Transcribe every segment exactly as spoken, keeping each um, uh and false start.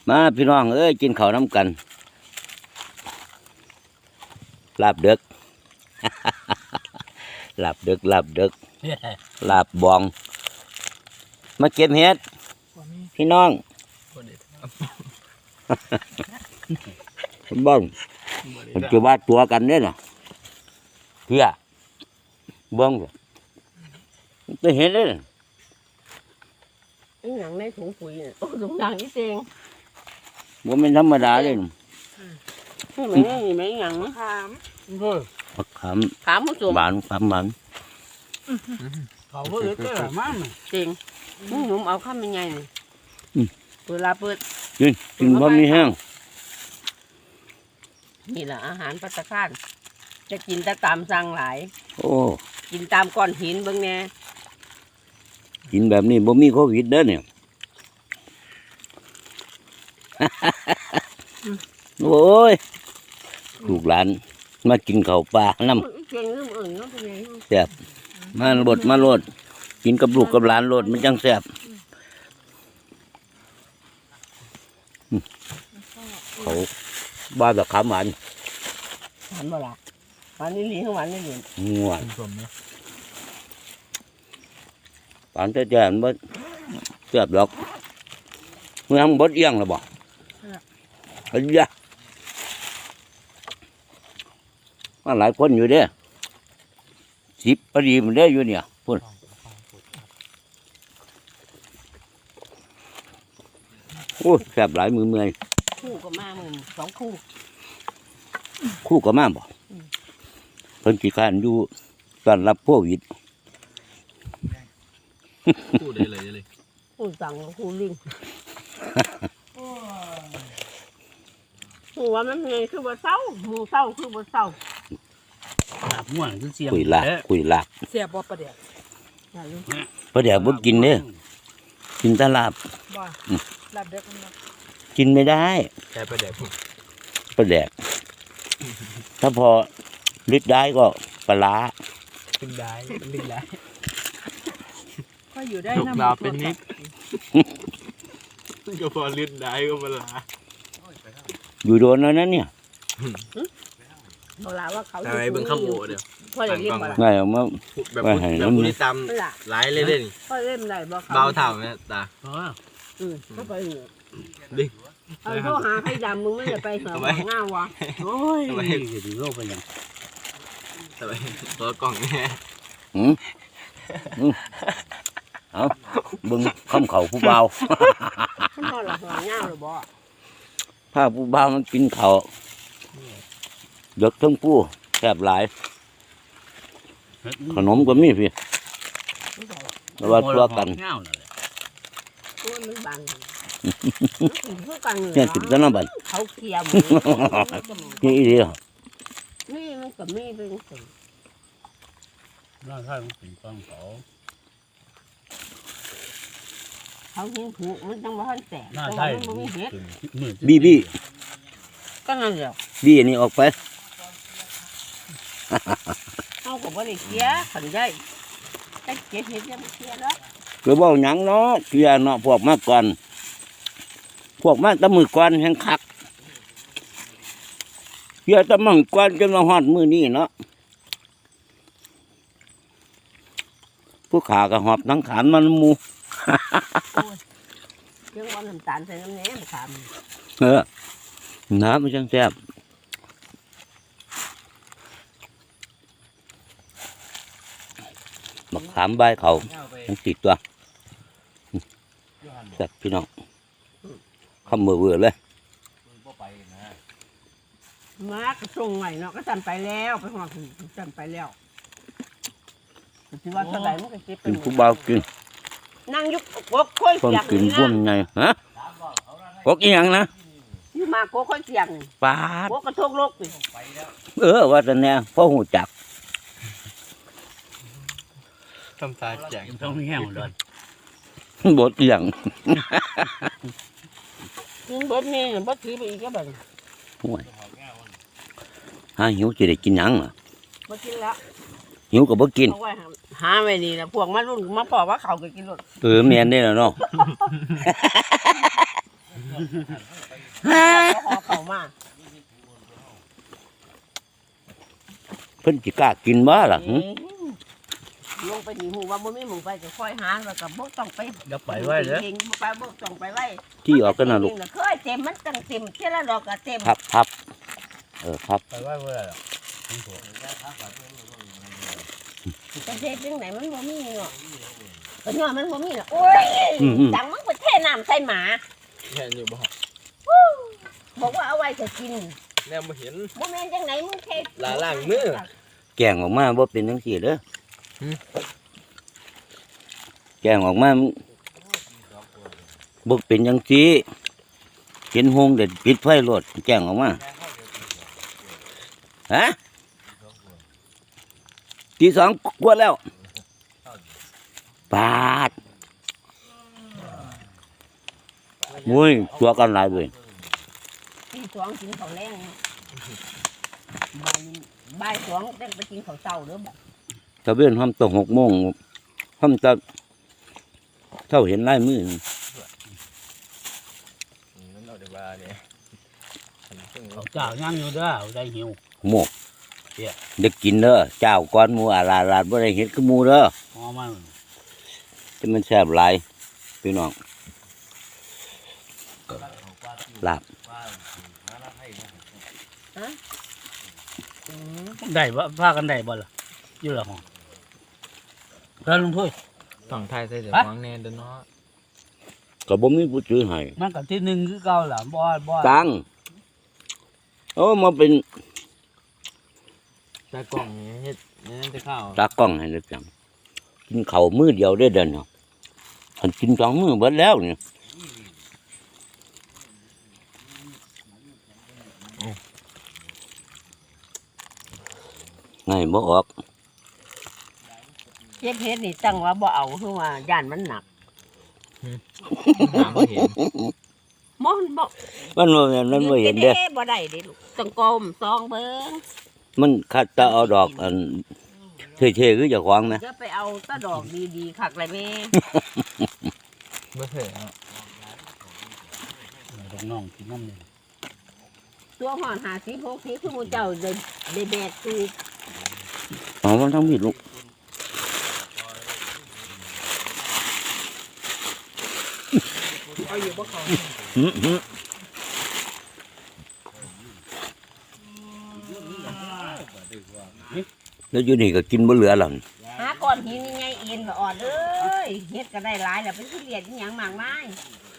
มาพี่น้องเอ้ยกินข้าวน้ำกันลาบเด็ก ลาบเด็กลาบเด็กลาบบองมาเก็บเห็ดพี่น้องบ้องมันจะว่าตัวกันเนี่ยนะเพื่อบ้องจะเห็นเลยนะไอ้หนังในถุงปุ๋ยเนี่ยโอ้ถุงหนังนี่เองว่าไม่ธรรมดาเลยนะนี่มันนี่ไม่หนังขามเฮ้ยผักขามขามผู้ชมหวานขามหวานเขาเปิดก็ละมั่งจริงมึงหนุ่มเอาข้ามยังไงนี่เวลาเปิดกินกินบะหมี่แห้งนี่แหละอาหารปัตตาคารจะกินแต่ตามสั่งหลายโอ้กินตามก้อนหินเบิ่งแน่กินแบบนี้บ่มีโควิดเด้อเนี่ย โอ้ยลูกหลานมากินข้าวปลาน้ำเก่งเรื่องอื่นเนาะเป็นไงแซ่บมาโลดมาโลดกินกับลูกกับหลานโลดมันจังแซ่บเขาบ้าแบบขามหวานหวานบ่ล่ะหวานนี่หลีข้างหวานนี่หลีง่วนปานแต่แจ่มบ่แซ่บดอกเมื่อทำบดเอี้ยงแล้วบ่เฮ้ยยะมาหลายคนอยู่เด้สิบพอดีมันได้อยู่เนี่ยพุ่นโอ้แซ่บหลายมือเมื่อยคู่ก็มาหมื่นสองคู่คู่ก็มาบ่เพิ่นขี้ข้านอยู่ต้อนรับโควิดพูดได้เลยเลยคู่สั่งคู่ลิงหัวมันไงคือบ่เศร้าหูเศร้าคือบ่เศร้าม่วนคือเสียงคุยลากคุยลากเสียบ่ประเดี๋ยวอย่าลืมเพราะเดี๋ยวบ่กินเด้อกินแตลาบบ่ลาบเด็กมันบ่กินไม่ได้แต่ประเดี๋ยวพูดปลาแดก ถ้าพอลิดได้ก็ปลาร้าเป็นได้เป็นได้ก็อยู่ได้ลูกนะดาวเป็นนิดก็พอเลือดได้ก็มาลาอยู่โดนแล้วนั้นเนี่ยเวลาว่าเขาทำไมเบิ่งข้ามโอเดี๋ยวพ่อจะเรียกบ่ล่ะง่ายออกมาแบบพูดแบบพูดที่ตามหลายเลยเด่นพ่อเล่นได้บ่เขาเบาเท่าเนี่ยตาอือก็ไปเหรอดิเอาโทรหาใครดำมึงไม่ได้ไปเหรอง่าวะโอ้ยทำไมถึงโลกเป็นยังทำไมตัวกล่องเนี่ยหืมอืมเอาเบึงคำเขาผู้เบาพ่อหลับหลังง่าวหรือบ่ถ้าผู้เบามันกินเขาเด็กทั้งผู้แซ่บหลาย ขนมก็มีพี่แต่ว่าตัวกันตัวมันบังเพื่อกันเนี่ยติดแล้วนะบัดเขาเคี่ยวนี่อีเดียวนี่มันก็มีเป็นสิ่งน่าใช่มันเป็นกล้องเขาเขาเห็นผูกมันต้องว่าแตกน่าต้องใช่ว่ามันไม่เห็ดบี้บี้ก็นั่นแหละบี้อันนี้ออกไปเขาก็บ่ได้เคี่ยขันได้แต่เก็บเห็ดยังเคี่ยแล้วหรือว่าหยังเนาะเกียเนาะพวกมาก่อน พวกมาแตะมือก่อนแห่งคักเกียแตะมือก่อนจนมาฮอดมือนี้เนาะผู้ขาก็หอบทั้งขานมันหมูเรื่องว่าน้ำตาลใส่น้ำแหนมขามเออน้ำมันจังแซ่บบักขามใบเขาทั้งติดตัวแซ่บพี่น้องคำเบื่อเบื่อเลยมากระส่งใหม่เนาะก็จันไปแล้วไปหอดจันไปแล้วถือว่าเท่าไหร่มันก็เก็บไปกินหมผู้ดเบากินนั่งยุกกกค่อยคนเสียงกินนี่ร่วมนะไงฮะกกอีหยังนะอยู่มากกค่อยเสียงปาดกกระทกโลกนี่เออว่าแต่แน่พ่อหูจักทำตาแจกต้องแห้งเลยบทอีหยังกินเบิดนี่บ่ถือไปอีกก็แบบห่วยหาหิวจะได้กินหยังล่ะบ่กินแล้วหิวก็บ่กินเอาไว้หาหาไว้นี่นะพวกมารุ่นมาพอว่าเขาก็กินรถเออแม่นได้แล้วเนาะขอเขามาเพิ่นสิกล้ากินบ่ล่ะหึลงไปหนีหูว่าบ่มีหมูไปก็ค่อยหาแล้วก็บ่ต้องไปอย่าไปไว้เด้อเองบ่ไปบ่ต้องไปไว้ที่ออกกันน่ะลูกเคยเต็มมันตั้งเต็มเท่าละดอกก็เต็มพับพับเออพับไปไว้เมื่อไหร่หรอกประเทศจังไหนมันบ่มีเนาะก็ย้อนมันบ่มีล่ะโอ้ยจังมันไปเทน้ำใส่หมาเห็นอยู่บ่บอกว่าเอาไว้จะกินแนวมาเห็นบ่แม่นจังไหนมึงเทลาล่างมือแกงออกมาบ่เป็นจังซี่เด้อหืมแกงออกมามันบ่เป็นจังซี่เห็นหงเด็ดปิดไฟโลดแกงออกมาฮะตีสองกว่าแล้วปาดมุ้ยตัวกันหลายเว้ยตีสองกินข้าวแรงบ่ายบ่ายสองเต้นไปกินข้าวเช้าเด้อบ่ตะเวนห้อมตกหกโมงห้อมจะเท่าเห็นลายมือนั่นเอาเดี๋ยวว่าเนี่ยเขาเจ้าย่างอยู่เด้อเอาได้หิวโมกเด็กกินเด้อเจ้าก้อนหมูอาลาลาดบ่ได้เห็ดคือหมูเด้อหอมันที่มันแซ่บหลายพี่น้องลาบอืมได้บ่พากันได้บ่ล่ะอยู่ละห้องแล้วลุงถ้วยต้องทายใส่เดี๋ยวฟังแน่เด้อเนาะก็บ่มีผู้ซื้อให้มันก็ที่หนึ่งคือเก่าล่ะบ่บ่ตังโอ้มาเป็นตากล้องนี่เฮ็ดนี่นั่นจะเข้าตากล้องให้เลยจังกินข้าวมื้อเดียวได้เดินเนาะคันกินสองมื้อเบิดแล้วเนี่ยไงบ่ออกเจ็บเฮ็ดนี่ตั้งว่าบ่เอาคือว่าย่านมันหนักหาบ่เห็นมอนบ่มันบ่แม่นมันบ่เห็นเด้อบ่ได้เด้ลูกต้องกลมซองเบิ่งมันคัดแตะเอาดอกอันเท่ๆคือเจ้าของนะจะไปเอาตะดอกดีๆคักเลยแม่บ่เคยเนาะลูกน้องกินน้ำนี่ตัวหอนห้าสิบ หกสิบคือหมู่เจ้าได้ได้แบกคือเอามันทั้งผิดลูกเอาอยู่บ่เข้าหืมหืมแล้วอยู่นี่ก็กินบ่เหลือหรอกหาก้อนหินยังไงเอ็นบ่อ่อนเอ้ยเฮ็ดก็ได้หลายแล้วเป็นทุเรียนอีหยังมากมาย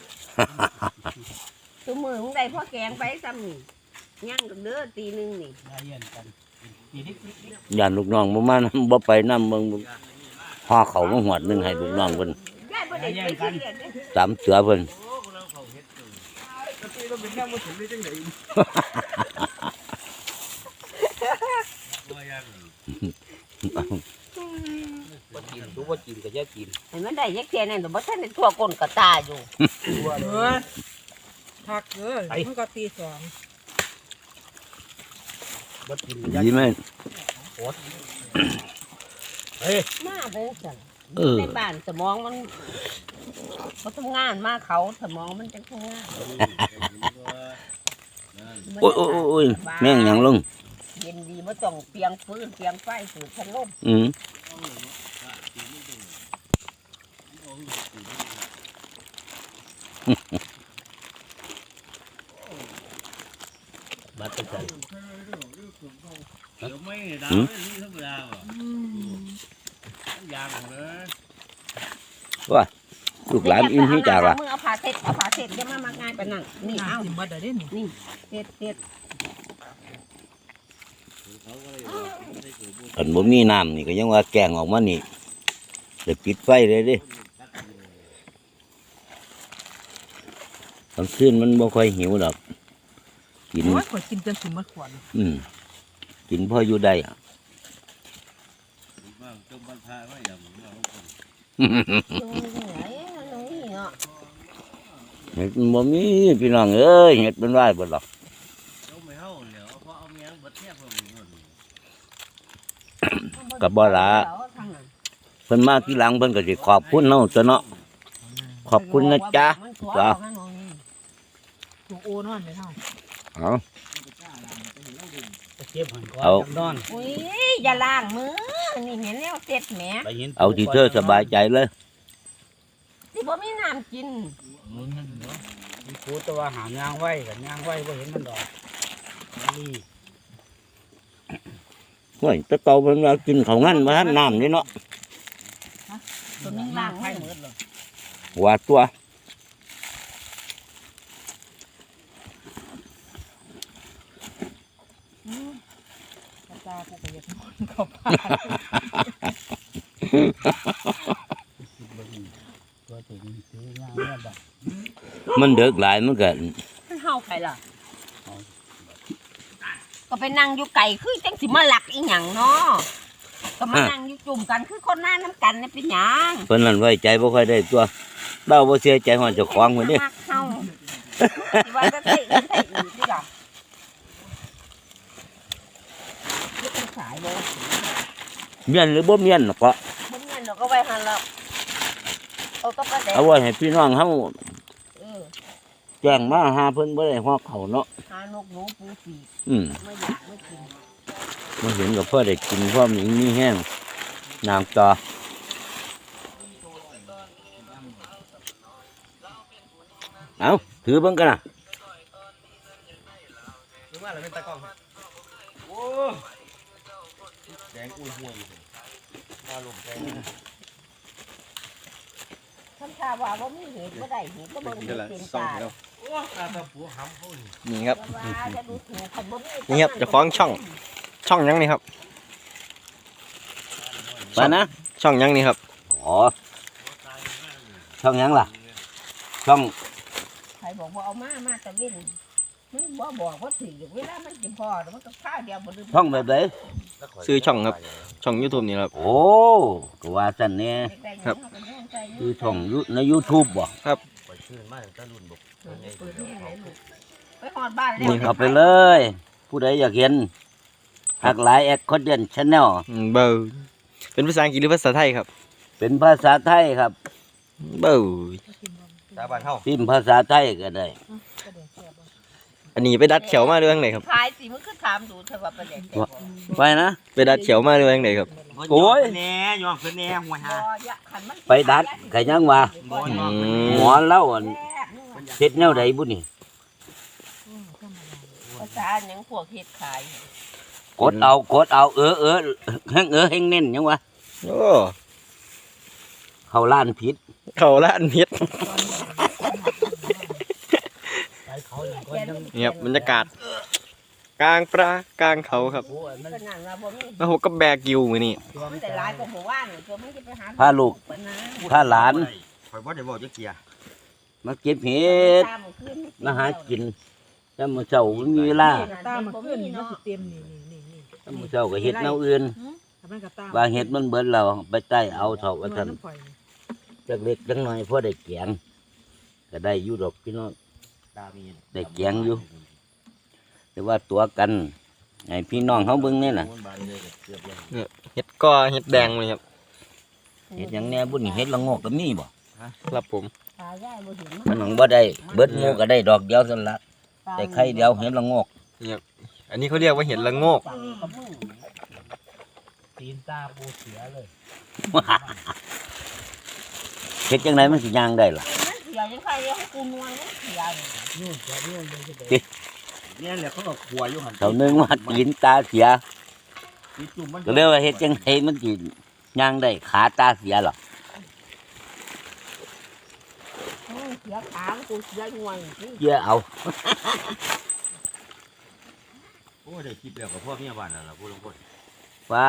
ตัวมือมึงได้พ่อแกงไปซ้ำนี่ย่างกับเด้อตีหนึงนี่ได้เย็นกันกินนิดย่านลูกน้องบ่มานำบ่ไปนำเบิ่งห่อเขาวมาหวดหนึงให้ลูกน้องเพิ่นยายบ่ได้ไปทุเรียนเด้อตามเสือเพิ่นเราเป็นแค่บ่ถึงได้จังได๋บ่กินดูบ่กินก็อย่ากินเห็นมันได้ยักเทียนั่นแต่บ่ทันได้ทั่วก้นกระตาอยู่ตัวเออพักเออมันก็ตีสองบ่กินดีไหมเฮ้ยมาเด้อจังเออในบ้านสมองมันบ่ทำงานมาเขาสมองมันจังทำงานโอ้ยโอ้ยโอ้ยแม่งหยังลงเย็นดีบ่ต้องเปียงฟืนเปียงไฟสูดพัดลมอืมบัดตะไคร้เดี๋ยวไม่ดาวไม่รู้ธรรมดาว่ะยางเลยลูกหลานอิ่มที่จากล่ะมึงเอาผ้าเช็ดเอาผ้าเช็ดอย่ามามักง่ายปานนั้นนี่เอาสิมาได้เด้นี่นี่เช็ดเช็ดคันบ่มีน้ำนี่ก็ยังว่าแกงออกมานี่เดี๋ยวปิดไฟเลยเด้กลางคืนมันบ่ค่อยหิวดอกกินโอ้ยข่อยกินจนสิหมดขวดอืมกินพออยู่ได้อะบ้างต้องบรรทายว่าอย่างนี้เราคนตรงไหนตรงนี้เนาะเห็ดมันบ่มีพี่น้องเอ้ยเห็ดเป็นไรบ่หรอกต้องไม่เข้าเดี๋ยวเพราะเอาเมียบัดเทียบเราอยู่นู่นกับบ่ละเพิ่นมาที่หลังเพิ่นก็สิขอบคุณเฮาซะเนาะขอบคุณนะจ๊ะจ้าถูกโอนอนไปเท่าเอาไปเก็บหันก่อนเอาจังนอนอุ้ยอย่าล้างมือนี่เห็นแล้วเสร็จแหมไปเห็นเอาที่เธอสบายใจเลยสิบ่มีน้ำกินมีครูแตัวาหามยางไว้กับยางไว้บ่เห็นมันดอกนี่เฮ้ยแตะเกาเป็นว่ากินข้าวงั้นมาทันน้ำนี่เนาะตัวนึงล้างไข่ให้หมดเลยว่าตัวกระจากูไปเย็ดนอนเข้าป่าตัวถึงซื้อยางเนี่ยดอกมันเดือดหลายมันก็มันเฮาไปล่ะก็ไปนั่งอยู่ไก่คือจังสิมาหลักอีหยังเนาะก็มานั่งอยู่จุ่มกันคือคนหน้าน้ำกันนี่เป็นหยังเพิ่นนั่นไว้ใจบ่ค่อยได้ตัวเล่าบ่เสียใจฮอดเจ้าของพุ่นนี่มักเฮาสิว่าจะใส่อื่นใส่อื่นที่ล่ะนี่เป็นสายเลยเมียนหรือบ่เมียนเนาะก็บ่เงินเราก็ไว้หันแล้วเอาต้องกระแดกเอาไว้ให้พี่น้องเฮาเออแจ้งมาหาเพิ่นบ่ได้ฮอกเขาเนาะหานกหนูปูสีอืมไม่อยากไม่กินมาเห็นกับพ่อได้กินพ่อมีมีแห้งน้ำต่อเอาถือเบิ่งกันนะถึงว่าเราเป็นตากล้องโอ้แดงอุ้ยห่วยมาลงแดงทำชาว่าว่ามีเหตุบ่ได้เหตุก็เบิ่งเหตุเป็นตาโอ้ตาตาผัวหำเขานี่นี่ครับว่าจะดูถูกคนบ่มีนี่ครับเจะฟ้าของช่อง ช่องยังนี่ครับไปนะช่องยังนี่ครับอ๋อช่องหยังล่ะ ช่องใครบอกว่าเอามามาตะเว้นมันบ่บอกว่าถือเวลามันสิพอแล้วมันก็ข้าวเดียวบ่ลืมช่องแบบไหนซื้อช่องครับ ช่อง YouTube นี่ครับโอ้ก็ว่าสั่นแน่ครับคือช่องยูใน YouTube บ่ไปชื่นมากตารุ่นบอกไปหอดบ้านนี่แล้วครับเอาไปเลย ผู้ใดอยากเห็นหักหลายแอคคอนเทนต์ชาแนลอืมเบอร์เป็นภาษาอังกฤษหรือภาษาไทยครับเป็นภาษาไทยครับเบอร์ตาบ้านเฮาพิมพ์ภาษาไทยก็ได้อันนี้ไปดัดเขียวมาด้วยยังไงครับขายสิมันคือถามดูเถอะว่าประเด็นแต่บ่ไปนะไปดัดเขียวมาด้วยยังไงครับโอ้ยแน่ยอมเพิ่นแน่หัวหาบ่อยะคันมันไปดัดก็ยังว่าบ่ยอมอืหมอเล่าอันแซ่บนี่ว่ะเฮ็ดแนวใดบุนี่ภาษาหยังพวกเฮ็ดขายกดเอากดเอาเออเออแห้งเออแห้งเน้นยังวะโอ้เขาล้านผิดเขาละอันเฮ็ดไปเขาอย่างก็ยังนี่ครับบรรยากาศ กลางปลากลางเขาครับโอ้ยมันขนาดว่าบ่มีแล้วผมก็แบกกิวมือนี่ตัวมัมัน นแต่แต่หลาลาย ยกว่าหมู่บ้านนี่ตัวมันจะไปหาพาลูกปะนะพาหลานข่อยบ่ได้บอกจักเกียมาเก็บเห็ดตามขึ้นมาหากินแล้วมื้อเช้ามันมีเวลาตามมาขึ้นนี่มันสิเต็มนี่นี่นี่นี่แล้วมื้อเช้าก็เฮ็ดแนวอื่นถ้ามันก็ตามว่าเฮ็ดมันเบิดแล้วไปใต้เอาเถาะว่าซั่นน้ำข่อยนี่จักเล็กจักน้อยพอได้แกงก็ได้อยู่ดอกพี่น้องตามีได้แกงอยู่ แต่ว่าตัวกันให้พี่น้องเฮาเบิ่งนี่น่ะบานเลยเกือบเลยเฮ็ดก้อเฮ็ดแดงเลยครับเฮ็ดหยังแหน่บุนี่เฮ็ดละโงกก็มีบ่ครับผมตายายบ่เห็นมันหนังบ่ได้เบิดหมู่ก็ได้ดอกเดียวซั่นละได้ไข่เดียวเฮ็ดละโงกอันนี้เขาเรียกว่าเห็ดละโงกตีนตาปูเสียเลยเฮ็ดจังไดมันสิย่างได้ล่ะมันเสียยังใครเรียกให้กูนวลมันเสียนี่นู่นจะนู่นเลยจะไปเนี่ยแหละเขาก็ขัวอยู่หันเท่านึงว่าตีนตาเสียมีจุ่มมันก็เรียกว่าเฮ็ดจังไดมันสิย่างได้ขาตาเสียหรออืมเสียขากูเสียนวลนี่เยอะเอาโอ้ได้คิดแล้วกับพ่อเมียบ้านนั่นล่ะผู้ลงคนว่า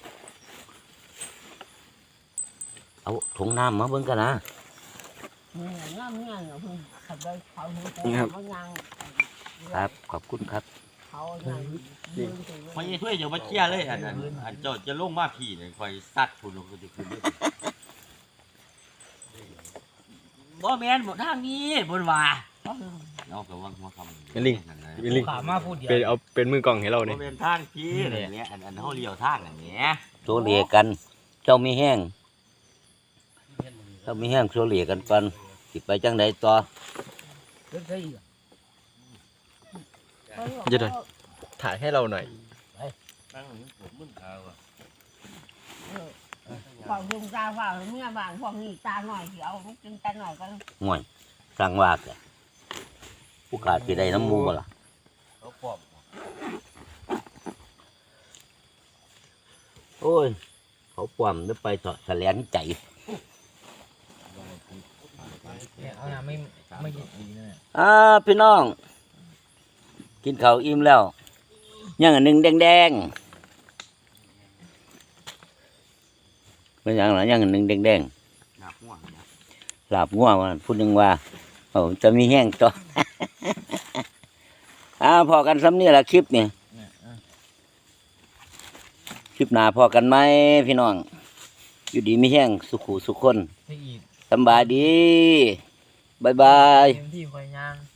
เอาถุงน้ำมาเบิ่งกันนะนี่งามเงี้ยเนาะเพิ่นขับไปเขาเห็นแต่นี่ครับเขายังครับ ขอบคุณครับเขายังเดินไปพอยังช่วยอย่ามาเคลียร์เลยอันนั้นอันเจ้าจะลงมาพี่เนี่ยคอยซัดผู้ลงคนจะขึ้นด้วยบ่แม่นบ่ทางนี้บนว่า เอากระวังหัวคำเป็นลิง เป็นลิงขามาพูดเดียวเป็นเอาเป็นมือกล่องให้เราบ่เนี่ยเป็นทางพี่เนี่ยเนี่ยอันอันเฮาเลี้ยวทางอันเนี้ยโซเลียกัน เจ้ามีแห้งเจ้ามีแห้งโซเลียกันก่อนสิไปจังไดต่อเรื่องใช่อีกอย่าหน่อยถ่ายให้เราหน่อยนั่งอยู่ผมมึงขาวอ่ะฝั่งลุงตาฝั่งเมื่อบ้านฝั่งนี้ตาหน่อยเดี๋ยวลูกกินตาหน่อยก็ง่วยสร้างว่าแกผู้ขาดสิได้น้ำมูบ่ล่ะเขาปอบโอ้ยเขาปลอมจะไปเถาะแสลงใจเอาน้ำไม่ไม่ดีนะอ่าพี่น้อง กินข้าวอิ่มแล้วยังอันหนึ่งแดงๆเป็นอย่างไรยังอันหนึ่งแดงหนักหัวนะๆลาบง่วงมันพูดยังว่าโอ้จะมีแห้งต่อ อ่าพอกันซ้ำนี่แหละคลิปนี่คลิปหน้าพอกันไหมพี่น้อง อยู่ดีมีแห้งสุขุสุขคนที่อีกสำบายดีบายบายเต็มที่คอยย่าง